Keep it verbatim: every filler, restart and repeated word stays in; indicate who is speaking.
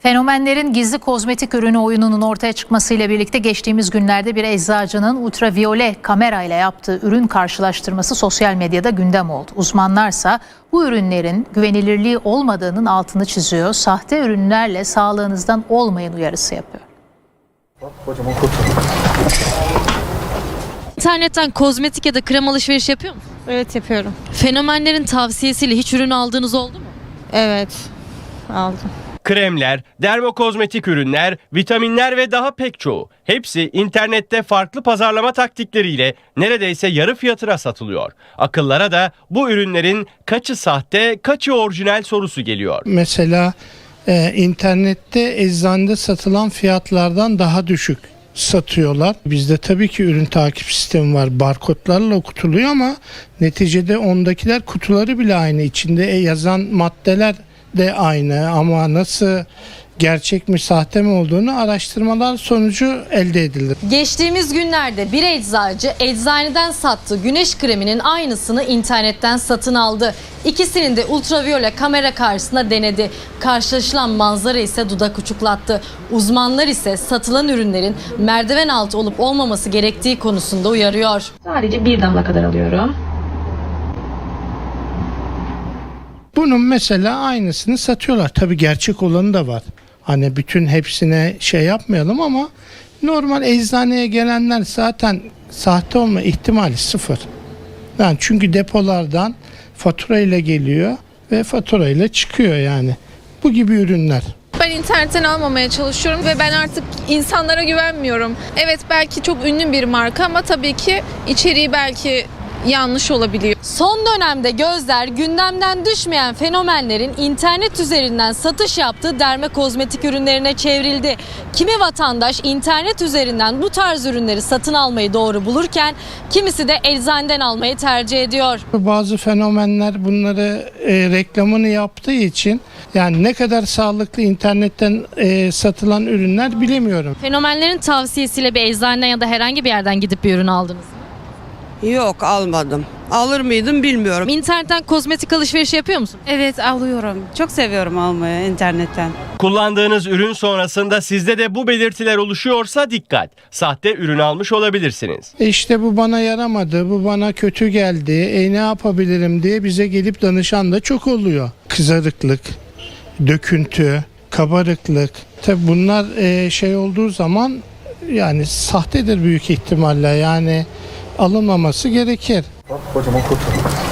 Speaker 1: Fenomenlerin gizli kozmetik ürünü oyununun ortaya çıkmasıyla birlikte geçtiğimiz günlerde bir eczacının ultraviyole kamerayla yaptığı ürün karşılaştırması sosyal medyada gündem oldu. Uzmanlarsa bu ürünlerin güvenilirliği olmadığının altını çiziyor. Sahte ürünlerle sağlığınızdan olmayın uyarısı yapıyor.
Speaker 2: İnternetten kozmetik ya da krem alışveriş yapıyor musun?
Speaker 3: Evet, yapıyorum.
Speaker 2: Fenomenlerin tavsiyesiyle hiç ürün aldığınız oldu mu?
Speaker 3: Evet, aldım.
Speaker 4: Kremler, dermokozmetik ürünler, vitaminler ve daha pek çoğu. Hepsi internette farklı pazarlama taktikleriyle neredeyse yarı fiyatına satılıyor. Akıllara da bu ürünlerin kaçı sahte, kaçı orijinal sorusu geliyor.
Speaker 5: Mesela e, internette eczanede satılan fiyatlardan daha düşük satıyorlar. Bizde tabii ki ürün takip sistemi var. Barkodlarla okutuluyor ama neticede ondakiler kutuları bile aynı. İçinde yazan maddeler de aynı ama nasıl gerçek mi sahte mi olduğunu araştırmalar sonucu elde edilir.
Speaker 2: Geçtiğimiz günlerde bir eczacı eczaneden sattığı güneş kreminin aynısını internetten satın aldı. İkisinin de ultraviyole kamera karşısında denedi. Karşılaşılan manzara ise dudak uçuklattı. Uzmanlar ise satılan ürünlerin merdiven altı olup olmaması gerektiği konusunda uyarıyor.
Speaker 6: Sadece bir damla kadar alıyorum.
Speaker 5: Bunun mesela aynısını satıyorlar. Tabii gerçek olanı da var. Hani bütün hepsine şey yapmayalım ama normal eczaneye gelenler zaten sahte olma ihtimali sıfır. Yani çünkü depolardan fatura ile geliyor ve fatura ile çıkıyor yani. Bu gibi ürünler.
Speaker 7: Ben internetten almamaya çalışıyorum ve ben artık insanlara güvenmiyorum. Evet, belki çok ünlü bir marka ama tabii ki içeriği belki yanlış olabiliyor.
Speaker 2: Son dönemde gözler gündemden düşmeyen fenomenlerin internet üzerinden satış yaptığı derme kozmetik ürünlerine çevrildi. Kimi vatandaş internet üzerinden bu tarz ürünleri satın almayı doğru bulurken kimisi de eczaneden almayı tercih ediyor.
Speaker 5: Bazı fenomenler bunları e, reklamını yaptığı için yani ne kadar sağlıklı internetten e, satılan ürünler bilemiyorum.
Speaker 2: Fenomenlerin tavsiyesiyle bir eczaneden ya da herhangi bir yerden gidip bir ürün aldınız mı?
Speaker 8: Yok, almadım. Alır mıydım bilmiyorum.
Speaker 2: İnternetten kozmetik alışverişi yapıyor musun?
Speaker 3: Evet, alıyorum. Çok seviyorum almayı internetten.
Speaker 4: Kullandığınız ürün sonrasında sizde de bu belirtiler oluşuyorsa dikkat. Sahte ürün almış olabilirsiniz.
Speaker 5: E işte bu bana yaramadı, bu bana kötü geldi, e ne yapabilirim diye bize gelip danışan da çok oluyor. Kızarıklık, döküntü, kabarıklık. Tabi bunlar e, şey olduğu zaman yani sahtedir büyük ihtimalle, yani alınmaması gerekir.
Speaker 9: Kocaman kutu.